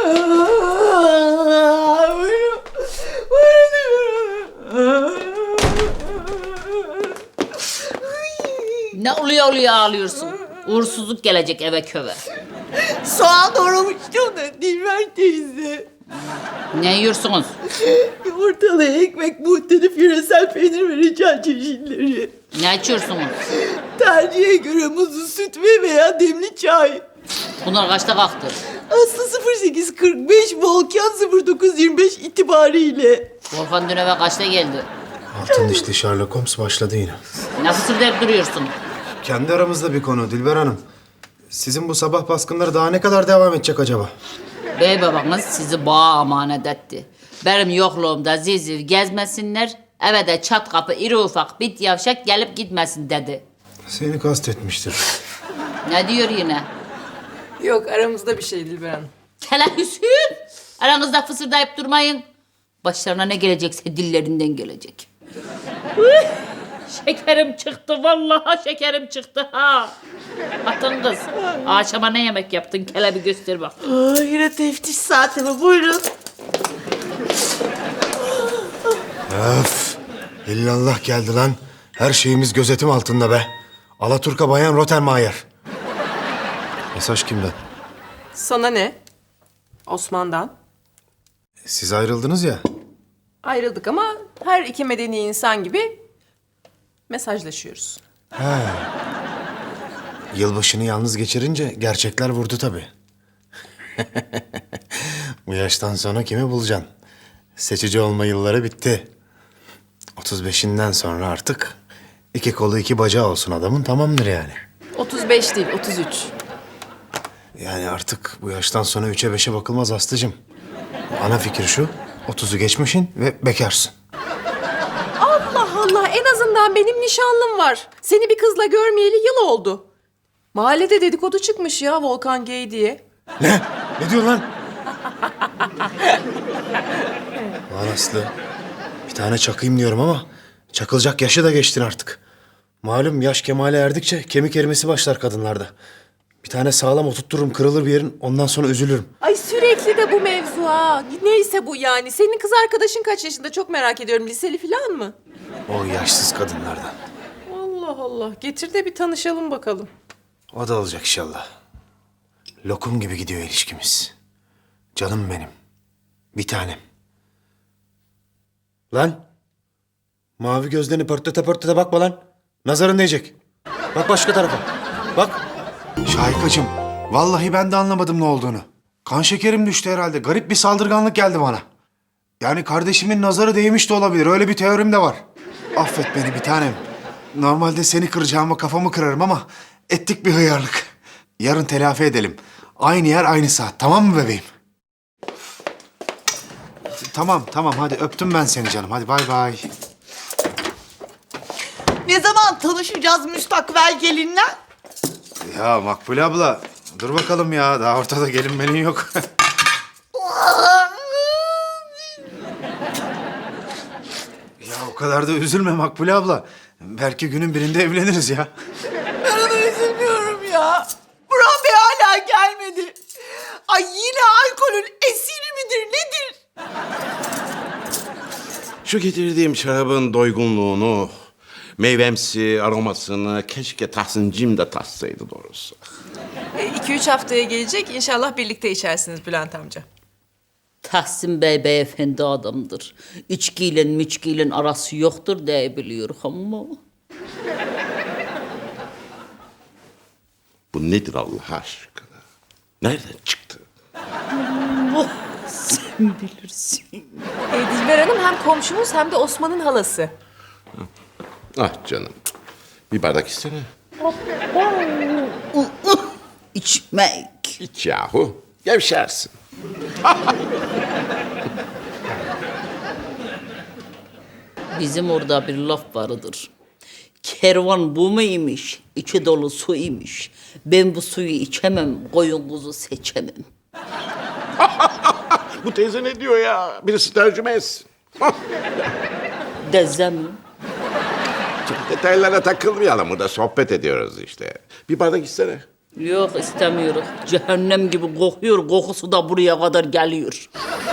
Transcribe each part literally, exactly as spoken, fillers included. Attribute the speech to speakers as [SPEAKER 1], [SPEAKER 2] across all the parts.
[SPEAKER 1] Ne oluyor oluyor ağlıyorsun? Uğursuzluk gelecek eve köve.
[SPEAKER 2] Soğan doğramıştım da Dilber teyze.
[SPEAKER 1] Ne yiyorsunuz?
[SPEAKER 2] Yumurtalı ekmek, muhtelif yöresel peynir ve reçel çeşitleri.
[SPEAKER 1] Ne içiyorsunuz?
[SPEAKER 2] Tercihe göre muzlu süt ve veya demli çay.
[SPEAKER 1] Bunlar kaçta kalktı?
[SPEAKER 2] Aslı sıfır sekiz kırk beş, Volkan sıfır dokuz yirmi beş itibariyle.
[SPEAKER 1] Volkan dün eve kaçta geldi?
[SPEAKER 3] Altın dişli Sherlock Holmes başladı yine.
[SPEAKER 1] Ne fısırdayıp duruyorsun?
[SPEAKER 3] Kendi aramızda bir konu Dilber Hanım. Sizin bu sabah baskınları daha ne kadar devam edecek acaba?
[SPEAKER 1] Bey babanız sizi bağa emanet etti. Benim yokluğumda ziziv gezmesinler, eve de çat kapı iri ufak bit yavşak gelip gitmesin dedi.
[SPEAKER 3] Seni kastetmiştir.
[SPEAKER 1] Ne diyor yine?
[SPEAKER 4] Yok aramızda bir şey Dilber Hanım.
[SPEAKER 1] Kele Hüsnü! Aranızda fısırdayıp durmayın. Başlarına ne gelecekse dillerinden gelecek. Şekerim çıktı, vallahi şekerim çıktı ha. Atın kız. Akşama ne yemek yaptın? Kele bir göster bak.
[SPEAKER 2] Aa, yine teftiş saati mi? Buyurun.
[SPEAKER 3] Öf! İllallah geldi lan. Her şeyimiz gözetim altında be. Alaturka Bayan Rottenmeier. Mesaj kimden?
[SPEAKER 4] Sana ne? Osman'dan.
[SPEAKER 3] Siz ayrıldınız ya.
[SPEAKER 4] Ayrıldık ama her iki medeni insan gibi mesajlaşıyoruz.
[SPEAKER 3] Yılbaşını yalnız geçirince gerçekler vurdu tabii. Bu yaştan sonra kimi bulacaksın? Seçici olma yılları bitti. otuz beşinden sonra artık iki kolu iki bacağı olsun adamın tamamdır yani.
[SPEAKER 4] otuz beş değil, otuz üç.
[SPEAKER 3] Yani artık bu yaştan sonra üçe beşe bakılmaz Aslı'cığım. Ana fikir şu, otuzu geçmişin ve bekarsın.
[SPEAKER 4] Allah Allah, en azından benim nişanlım var. Seni bir kızla görmeyeli yıl oldu. Mahallede dedikodu çıkmış ya Volkan gay diye.
[SPEAKER 3] Ne? Ne diyorsun lan? Lan Aslı, bir tane çakayım diyorum ama çakılacak yaşı da geçtin artık. Malum yaş kemale erdikçe kemik erimesi başlar kadınlarda. Bir tane sağlam oturttururum, kırılır bir yerin, ondan sonra üzülürüm.
[SPEAKER 4] Ay sürekli de bu mevzu ha. Neyse bu yani. Senin kız arkadaşın kaç yaşında çok merak ediyorum. Liseli falan mı?
[SPEAKER 3] O yaşsız kadınlardan.
[SPEAKER 4] Allah Allah. Getir de bir tanışalım bakalım.
[SPEAKER 3] O da olacak inşallah. Lokum gibi gidiyor ilişkimiz. Canım benim. Bir tanem. Lan. Mavi gözlerini pörtlete pörtlete bakma lan. Nazarın değecek. Bak başka tarafa. Bak. Şahikacığım, vallahi ben de anlamadım ne olduğunu. Kan şekerim düştü herhalde. Garip bir saldırganlık geldi bana. Yani kardeşimin nazarı değmiş de olabilir. Öyle bir teorim de var. Affet beni bir tanem. Normalde seni kıracağıma kafamı kırarım ama ettik bir hıyarlık. Yarın telafi edelim. Aynı yer aynı saat. Tamam mı bebeğim? Tamam tamam hadi öptüm ben seni canım. Hadi bay bay.
[SPEAKER 2] Ne zaman tanışacağız müstakbel gelinle?
[SPEAKER 3] Ya Makbule abla dur bakalım ya. Daha ortada gelinmenin yok. Ya o kadar da üzülme Makbule abla. Belki günün birinde evleniriz ya.
[SPEAKER 2] Ben ona üzülmüyorum ya. Burhan Bey hala gelmedi. Ay yine alkolün esiri midir nedir?
[SPEAKER 5] Şu getirdiğim şarabın doygunluğunu, meyvemsi aromasını keşke Tahsin'cim de tatsaydı doğrusu.
[SPEAKER 4] E, iki üç haftaya gelecek. İnşallah birlikte içersiniz Bülent amca.
[SPEAKER 1] Tahsin Bey beyefendi adamdır. İçkiyle müçkiyle arası yoktur diye biliyorum ama.
[SPEAKER 5] Bu nedir Allah aşkına? Nereden çıktı?
[SPEAKER 1] Oh, sen bilirsin.
[SPEAKER 4] E, Dilber Hanım hem komşumuz hem de Osman'ın halası.
[SPEAKER 5] Ah canım. Bir bardak içsene.
[SPEAKER 1] İçmek.
[SPEAKER 5] İç yahu. Gevşersin.
[SPEAKER 1] Bizim orada bir laf vardır. Kervan bu muymuş? İçi dolu su imiş. Ben bu suyu içemem, koyun kuzu seçemem.
[SPEAKER 5] Bu teyze ne diyor ya? Birisi tercüme etsin.
[SPEAKER 1] Deze mi?
[SPEAKER 5] Detaylara takılmayalım. Burada sohbet ediyoruz işte. Bir bardak içsene.
[SPEAKER 1] Yok istemiyorum. Cehennem gibi kokuyor. Kokusu da buraya kadar geliyor.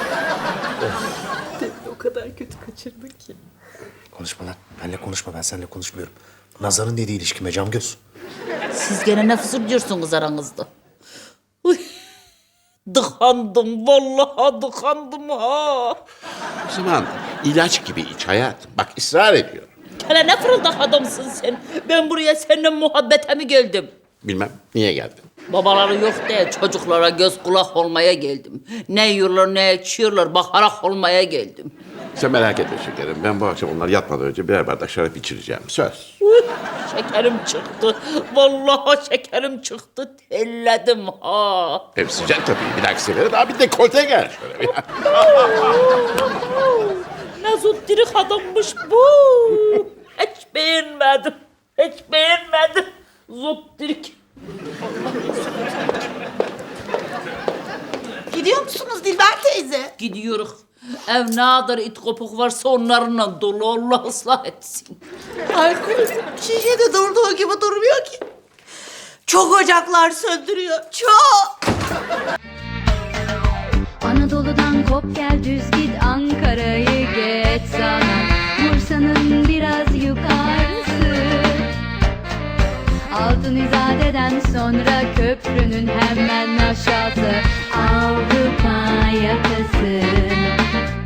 [SPEAKER 4] O kadar kötü kaçırdın ki.
[SPEAKER 3] Konuşma lan. Benle konuşma. Ben seninle konuşmuyorum. Nazar'ın dediği ilişkime cam göz.
[SPEAKER 1] Siz gene ne fısıldıyorsunuz aranızda? Uy. Dıkandım. Vallahi dıkandım ha.
[SPEAKER 5] O zaman ilaç gibi iç hayatım. Bak ısrar ediyorum.
[SPEAKER 1] Hele ne fırıldak adamsın sen. Ben buraya seninle muhabbete mi geldim?
[SPEAKER 5] Bilmem niye geldin.
[SPEAKER 1] Babaları yok diye çocuklara göz kulak olmaya geldim. Ne yiyorlar ne içiyorlar bakarak olmaya geldim.
[SPEAKER 5] Sen merak etme şekerim. Ben bu akşam onlar yatmadan önce birer bardak şarap içireceğim. Söz.
[SPEAKER 1] Uy, şekerim çıktı. Vallahi şekerim çıktı. Telledim ha.
[SPEAKER 5] Hem sıcak tabii. Bir dahaki sefere daha bir dekolte gel şöyle bir.
[SPEAKER 1] Ne zuttirik adammış bu. Hiç beğenmedim. Hiç beğenmedim. Zuttirik.
[SPEAKER 2] Gidiyor musunuz Dilber teyze?
[SPEAKER 1] Gidiyoruz. Ev ne kadar it kopuk varsa onlarla dolu. Allah ıslah etsin.
[SPEAKER 2] Alkol şişede durduğu gibi durmuyor ki. Çok ocaklar söndürüyor. Çok.
[SPEAKER 6] Anadolu'dan kop gel düz git Ankara'yı geç sana Bursa'nın biraz yukarısı Altın İzade'den sonra köprünün hemen aşağısı Avrupa yakası